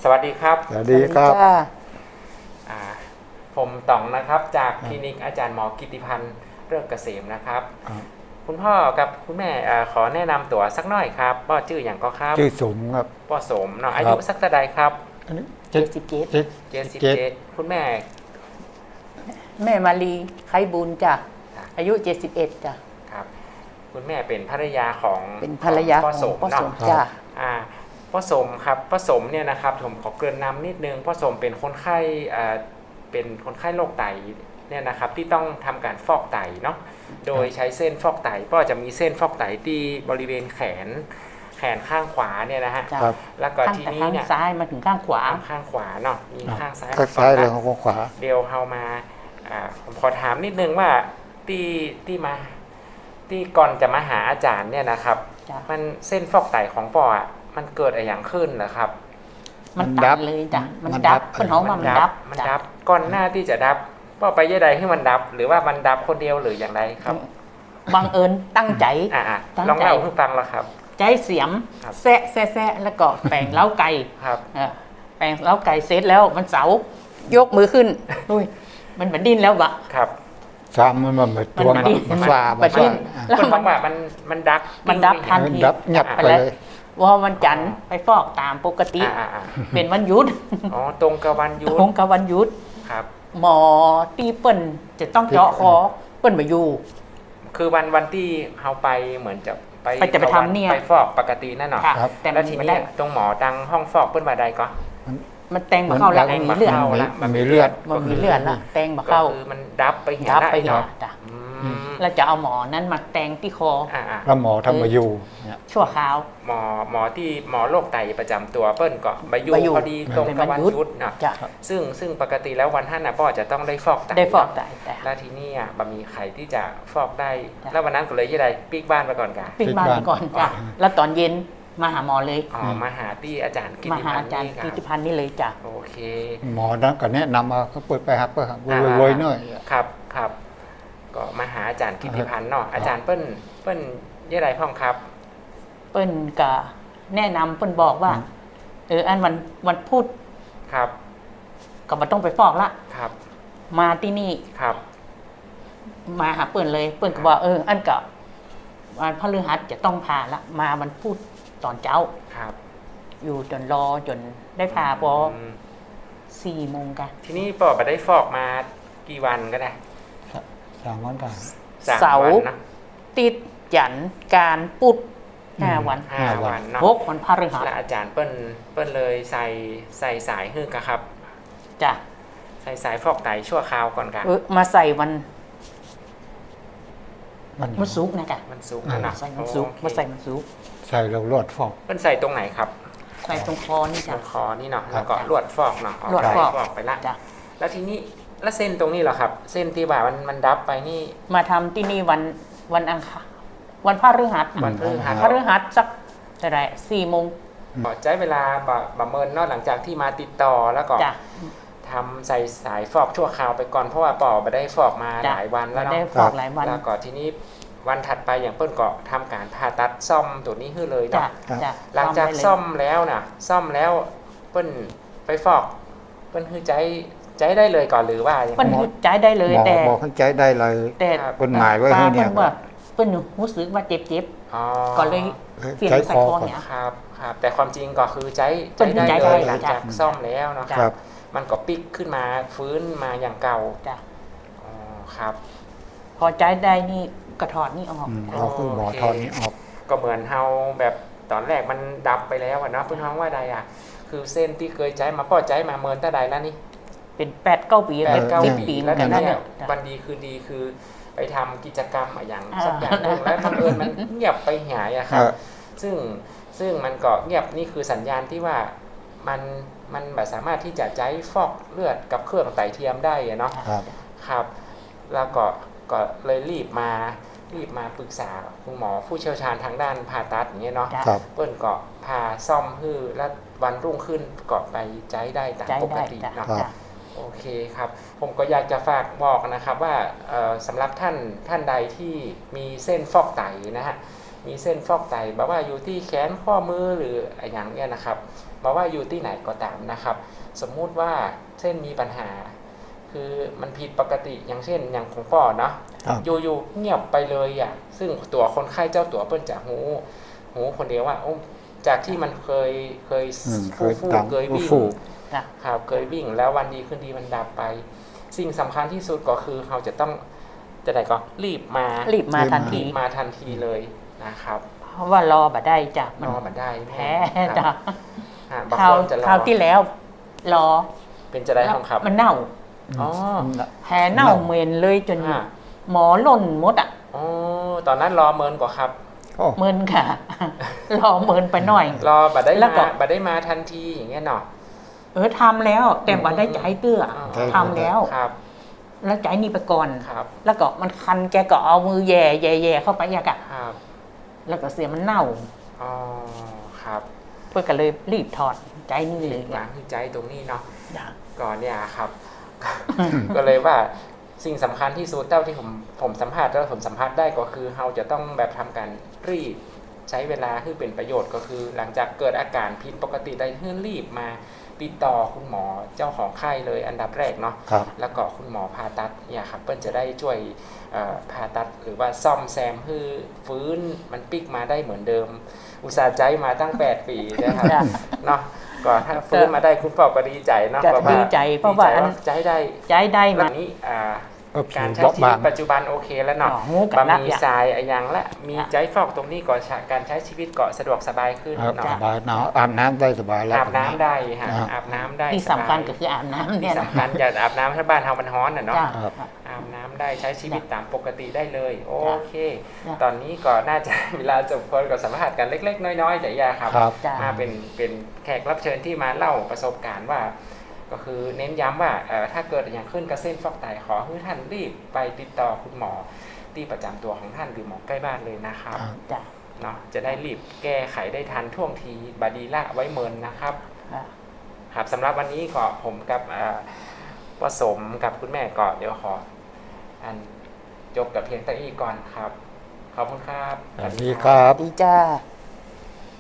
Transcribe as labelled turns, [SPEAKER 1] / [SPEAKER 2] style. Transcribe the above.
[SPEAKER 1] สวัสดีครับ
[SPEAKER 2] สวัสดีครับ
[SPEAKER 1] อ่าผมต๋องนะครับจากคลินิกอาจารย์หมอกิติพันธ์เลิศเกษมนะครับคุณพ่อกับคุณแม่ขอแนะนำตัวสักหน่อยครับป้อชื่ออย่างก็ครับ
[SPEAKER 2] ชื่อสมครับ
[SPEAKER 1] ป้อสมเนาะอายุสักเท่าใดครับ
[SPEAKER 3] 77
[SPEAKER 1] คุณแม่
[SPEAKER 3] แม่มาลีไคบุญจ้ะอายุ71จ้ะ
[SPEAKER 1] ครับคุณแม่เป็นภรรยาของ
[SPEAKER 3] เป็นภรรยาข
[SPEAKER 1] ป้
[SPEAKER 3] อ
[SPEAKER 1] อง สม
[SPEAKER 3] พ่อสม
[SPEAKER 1] เนาะ
[SPEAKER 3] จ้ะ
[SPEAKER 1] ป้อสมครับป้อสมเนี่ยนะครับผมขอเกริ่นนำนิดนึงป้อสมเป็นคนไข้เป็นคนไข้โรคไตเนี่ยนะครับที่ต้องทำการฟอกไตเนาะโดยใช้เส้นฟอกไตก็จะมีเส้นฟอกไตที่บริเวณแขนข้างขวาเนี่ยนะฮะแล้วก็ทีนี้เนี่ย
[SPEAKER 3] ข้างซ้ายมาถึงข้างขวา
[SPEAKER 1] ข้างขวาเนาะมีข้างซ้าย
[SPEAKER 2] ข้างซ้ายเลยของขวา
[SPEAKER 1] เดี๋ยวเอามาผมขอถามนิดนึงว่าที่ก่อนจะมาหาอาจารย์เนี่ยนะครับมันเส้นฟอกไตของปออ่ะมันเกิดอะไรอย่างขึ้นนะครับ
[SPEAKER 3] มันดับเลยจ้ะมันดับคนเขามันดับ
[SPEAKER 1] ก่อนหน้าที่จะดับป้อไปยังไงให้มันดับหรือว่ามันดับคนเดียวหรืออย่างไรครับ
[SPEAKER 3] บังเอิญตั้งใจ
[SPEAKER 1] ลองเล่าให้ฟังแล้วครับ
[SPEAKER 3] ใจเสียมแซะแล้วก็แปลงเล้าไก่
[SPEAKER 1] ครับ
[SPEAKER 3] แปลงเล้าไก่เสร็จแล้วมันเสายกมือขึ้นอุ้ยมันเหมือนดิ้นแล้ววะ
[SPEAKER 1] ครับ
[SPEAKER 2] ซ้ำมันเหมือนตัวมันฟ้า
[SPEAKER 1] มันดิ้นแล้วมันว่ามัน
[SPEAKER 3] ดับทันที
[SPEAKER 2] ดับหยับไปเลย
[SPEAKER 3] ว่าวันจันทร์ไปฟอกตามปกติเป็นวันหยุด
[SPEAKER 1] อ๋อตรงกับวันหยุ
[SPEAKER 3] ด
[SPEAKER 1] ครับ
[SPEAKER 3] หมอตีเปิ้นจะต้องเจาะคอเปิ้นมาอยู่
[SPEAKER 1] คือวันที่เขาไปเหมือนจะ
[SPEAKER 3] ไปทำเนี่ย
[SPEAKER 1] ไปฟอกปกตินั่นหรอแล้วทีนี้ตรงหมอดังห้องฟอกเปิ้นมาใดก็
[SPEAKER 3] มันแตงมาเข้าแล้วมีเลือด
[SPEAKER 2] มันมีเลือด
[SPEAKER 3] ละแตงมาเข้า
[SPEAKER 1] คือมันดับไปเห็น
[SPEAKER 3] จ้ะแล้วจะเอาหมอนั้นมาแตงที่คอ
[SPEAKER 2] แล้วหมอทำมาอยู่
[SPEAKER 3] ชั่วคราว
[SPEAKER 1] หมอที่หมอโรคไตประจำตัวเปิ้ลก็มาอยู่พอดีตรงกับวันหยุดนะซึ่งปกติแล้ววันท่านนะพ่อจะต้องได้ฟอกไตแล้วทีนี้บะมีไข่ที่จะฟอกได้แล้ววันนั้นก็เลยที่ใดปีกบ้านไปก่อนกัน
[SPEAKER 3] ปีกบ้านไปก่อนจ้ะแล้วตอนเย็นมาหาหมอเลย
[SPEAKER 1] มาหาที่อาจารย์กิติ
[SPEAKER 3] พันธ์นี่เลยจ้ะ
[SPEAKER 1] โอเค
[SPEAKER 2] หมอนั้นก็แนะนำมาก็เปิดไปครับก็รวยๆหน่อย
[SPEAKER 1] ครับก็มาหาอาจารย์กิติพันธ์เนาะอาจารย์เปิ้ลยี่ไรพ่องครับ
[SPEAKER 3] เปิ้ลก็แนะนำเปิ้ลบอกว่าอันวันพูด
[SPEAKER 1] ครับ
[SPEAKER 3] ก็มาต้องไปฟอกละ
[SPEAKER 1] ครับ
[SPEAKER 3] มาที่นี่
[SPEAKER 1] ครับ
[SPEAKER 3] มาหาเปิ้ลเลยเปิ้ลก็บอกอันก็วันพฤหัสจะต้องผ่าละมามันพูดตอนเช้า
[SPEAKER 1] ครับ
[SPEAKER 3] อยู่จนรอจนได้ผ่าพอ4 โมงกัน
[SPEAKER 1] ทีนี้ปอไปได้ฟอกมากี่วันก็ได้
[SPEAKER 2] 3 วันกัน
[SPEAKER 3] เสาร์ติดจันการปุด5 วัน
[SPEAKER 1] เนาะ
[SPEAKER 3] 6 วันพฤหัส
[SPEAKER 1] และอาจารย์เปิ้ลเลยใส่สายฮึกครับ
[SPEAKER 3] จ้ะ
[SPEAKER 1] ใส่สายฟอกไตชั่วคราวก่อนกัน
[SPEAKER 3] มาใส่วันศุกร์นะจ๊ะ
[SPEAKER 1] มันศุกร์
[SPEAKER 3] นะใส่มันศุกร์มาใส่มันศุกร์
[SPEAKER 2] ใส่แล้วลวดฟอก
[SPEAKER 1] มันใส่ตรงไหนครับ
[SPEAKER 3] ใส่ตรงคอนี่จ้ะ
[SPEAKER 1] ตรงคอนี่เนาะแล้วก็ลวดฟอกเนาะ
[SPEAKER 3] ลวดฟอก
[SPEAKER 1] ไปละแล้วทีนี้แล้วเส้นตรงนี้เหรอครับเส้นที่ว่ามันดับไปนี่
[SPEAKER 3] มาทำที่นี่วันอังคารวันพฤหัสสักเท่าไหร่4 โมง
[SPEAKER 1] ใช้เวลาประเมินนอกหลังจากที่มาติดต่อแล้วก็ทำใส่สายฟอกชั่วคราวไปก่อนเพราะว่าปอไปได้ฟอกมาหลายวันแล้วเนาะแล้วก็ทีนี้วันถัดไปอย่างเปิ้ลก็ทำการผ่าตัดซ่อมตัวนี้ขึ้นเลยเนาะหลังจากซ่อมแล้วเปิ้ลไปฟอกเปิ้ลคือใจได้เลยก่อนหรือว่า
[SPEAKER 3] เปิ้ลใจได้เลยแต่
[SPEAKER 2] บอกให้ใจได้เลย
[SPEAKER 3] แต่
[SPEAKER 2] กฎหมายไว้ให้เนี่ย
[SPEAKER 3] เปิ้ลรู้สึกว่าเจ็บก็เลยเปลี่ยนใส่คอเนี่ย
[SPEAKER 1] ครับแต่ความจริงก็คือใจได้เลยหลังจากซ่อมแล้วเนาะมันก็ปิกขึ้นมาฟื้นมาอย่างเก่า
[SPEAKER 3] จ้ะ
[SPEAKER 1] ครับ
[SPEAKER 3] พอใจได้นี่กระถอดนี่ออก
[SPEAKER 2] คือหมอถอดนี่ออก
[SPEAKER 1] ก็เหมือนเฮาแบบตอนแรกมันดับไปแล้วเนาะเพื่อนท้องว่าใดคือเส้นที่เคยใจมาป้อใจมาเมินตาใดแล้วนี่
[SPEAKER 3] เป็น8-9 ปี10 ปี
[SPEAKER 1] แล้วเนี่ยวันดีคือดีคือไปทำกิจกรรมอย่างสักอย่างนึงแล้วบังเอิญมันเงียบไปหายอะครับซึ่งมันก็เงียบนี่คือสัญญาณที่ว่ามันแบบสามารถที่จะใช้ฟอกเลือดกับเครื่องไตเทียมได้เนาะครับแล้วก็เลยรีบมาปรึกษาคุณหมอผู้เชี่ยวชาญทางด้านผ่าตัดอย่างเงี้ยเนาะเปิ้ลก็พาซ่อมฮื้อแล้ววันรุ่งขึ้นก็ไปใช้ได้ตามปกติเนาะโอเคครับผมก็อยากจะฝากบอกนะครับว่าสำหรับท่านใดที่มีเส้นฟอกไตนะฮะมีเส้นฟอกไตแบบว่าอยู่ที่แขนข้อมือหรืออย่างเงี้ยนะครับบอกว่าอยู่ที่ไหนก็ตามนะครับ สมมุติว่าเช่นมีปัญหา คือมันผิดปกติอย่างเช่นอย่างของพ่อเนาะ
[SPEAKER 2] ครับ
[SPEAKER 1] อยู่ๆเงียบไปเลยอ่ะซึ่งตัวคนไข้เจ้าตัวเปิ้นจะหูคนเดียวว่าโอ้จากที่มันเคย
[SPEAKER 2] เคย
[SPEAKER 1] ฟู่
[SPEAKER 2] ดัง
[SPEAKER 1] เคยวิ่ง
[SPEAKER 2] ฟู่
[SPEAKER 3] จ้ะ
[SPEAKER 1] ครับเคยวิ่งแล้ววันดีขึ้นดีมันดับไป สิ่งสำคัญที่สุดก็คือเราจะต้องจะไหนก็รีบมา
[SPEAKER 3] รีบมาทัน
[SPEAKER 1] รี
[SPEAKER 3] ที
[SPEAKER 1] บมาทันทีเลยนะครับ
[SPEAKER 3] เพราะว่ารอบ่ได้จ้ะ
[SPEAKER 1] รอมาได้
[SPEAKER 3] แพ้
[SPEAKER 1] ครับ
[SPEAKER 3] จ้ะ
[SPEAKER 1] บาง
[SPEAKER 3] คราว
[SPEAKER 1] คนจะร
[SPEAKER 3] คราว
[SPEAKER 1] อ
[SPEAKER 3] ที่แล้วรอ
[SPEAKER 1] เป็นจะได้ของครับ
[SPEAKER 3] มันเน่า
[SPEAKER 1] อ๋อ
[SPEAKER 3] แพ้เน่าเหม็นเลยจน
[SPEAKER 1] อ่า
[SPEAKER 3] หมอหล่นหมดอ่ะ
[SPEAKER 1] อ๋อตอนนั้นรอเมินกว่าครับ
[SPEAKER 2] โอ้
[SPEAKER 3] เมินค่ะ รอเมินไปหน่อย
[SPEAKER 1] รอบัดได้
[SPEAKER 3] แล้วก็
[SPEAKER 1] มาบัดได้มาทันทีอย่างเงี้ยเนาะ
[SPEAKER 3] ทำแล้ว แต่บ่ได้ใจเตื้อ
[SPEAKER 1] อ๋อ
[SPEAKER 3] ทำแล้ว
[SPEAKER 1] ครับ
[SPEAKER 3] แล้วใจนี่ไปก่อน
[SPEAKER 1] ครับ
[SPEAKER 3] แล้วก็มันคันแกก็เอามือแย่แย่แย่เข้าไปอยากอะ
[SPEAKER 1] ครับ
[SPEAKER 3] แล้วก็เสียมันเน่า
[SPEAKER 1] อ๋อครับ
[SPEAKER 3] เพื่อก็เลยรีบถอดใจนี่เลย
[SPEAKER 1] วางที่ใจตรงนี้เนาะ
[SPEAKER 3] จ้ะ
[SPEAKER 1] ก่อนเนี่ยครับ ก็เลยว่าสิ่งสำคัญที่สุดเท่าที่ผมสัมภาษณ์แล้วผมสัมภาษณ์ได้ก็คือเราจะต้องแบบทำการรีบใช้เวลาให้เป็นประโยชน์ก็คือ หลังจากเกิดอาการผิดปกติได้ให้รีบมาติดต่อคุณหมอเจ้าของไข้เลยอันดับแรกเนาะ
[SPEAKER 2] ครับ
[SPEAKER 1] แล้วก็คุณหมอผ่าตัดเนี่ยครับเปิ้ลจะได้ช่วยผ่าตัดหรือว่าซ่อมแซมให้ฟื้นมันปิกมาได้เหมือนเดิม อุตส่าห์ใจมาตั้ง 8 ปีนะครับ
[SPEAKER 3] จ้ะ
[SPEAKER 1] เนาะก็ถ้าฟื้นมาได้คุณพ่อก็ดีใจเนาะ
[SPEAKER 3] จะ
[SPEAKER 1] เพราะว่า
[SPEAKER 3] ดีใจเพราะว่า
[SPEAKER 1] ดีใจใจได้
[SPEAKER 3] ใจได้
[SPEAKER 1] แบ
[SPEAKER 3] มา
[SPEAKER 1] บนี้
[SPEAKER 2] ก็
[SPEAKER 1] การ
[SPEAKER 2] ผิ
[SPEAKER 1] ใช้
[SPEAKER 2] วบล็อก
[SPEAKER 1] ชี
[SPEAKER 2] บา
[SPEAKER 1] วิ
[SPEAKER 2] ง
[SPEAKER 1] ตปัจจุบันโอเคแล้วเนาะ
[SPEAKER 3] งูกั
[SPEAKER 1] บะ
[SPEAKER 3] บ
[SPEAKER 1] ห
[SPEAKER 3] ละ
[SPEAKER 1] มี่ทรายอะยังและมีใจฟอกตรงนี้ก็การใช้ชีวิตก็สะดวกสบายขึ้น
[SPEAKER 2] ครับ
[SPEAKER 1] เนาะ
[SPEAKER 2] สบายหนาวอาบน้ำได้สบายแล้ว
[SPEAKER 1] อาบน้ำได้ฮะ
[SPEAKER 2] อ่า
[SPEAKER 1] อาบน้ำได้
[SPEAKER 3] ที่สำคัญก็คืออาบน้ำเนี่
[SPEAKER 1] ที่
[SPEAKER 3] ยนะ
[SPEAKER 1] สำคัญอย่าอาบน้ำถ้าบ้านเรามันร้อนน่ะเนาะ
[SPEAKER 3] จ้ะ
[SPEAKER 2] ครับ
[SPEAKER 1] อาบน้ำได้ใช้ชีวิตตามปกติได้เลย โอเค
[SPEAKER 3] จ้ะ
[SPEAKER 1] ตอนนี้ก็น่าจะ เวลาจบคนก็สัมภาษณ์กันเล็ก ๆ น้อยๆแต่ยาครับ
[SPEAKER 2] ครับ
[SPEAKER 3] จ้ะ
[SPEAKER 1] มาเป็นแขกรับเชิญที่มาเล่าประสบการณ์ว่า ก็คือเน้นย้ำว่าถ้าเกิดอย่างขึ้นกับเส้นฟอกไตขอให้ท่านรีบไปติดต่อคุณหมอที่ประจำตัวของท่านหรือหมอใกล้บ้านเลยนะครับ
[SPEAKER 2] ครับ
[SPEAKER 3] จ้ะ
[SPEAKER 1] เนาะจะได้รีบแก้ไขได้ทันท่วงทีบาดีละไว้เมินนะครับ
[SPEAKER 3] ค่ะ
[SPEAKER 1] ครับสำหรับวันนี้ก็ผมกับผสมกับคุณแม่ก็เดี๋ยวขออันจบกับเพียงแต่นี้ก่อนครับ ขอบคุณครับ
[SPEAKER 2] สวัสดีครับ
[SPEAKER 3] ดีจ้า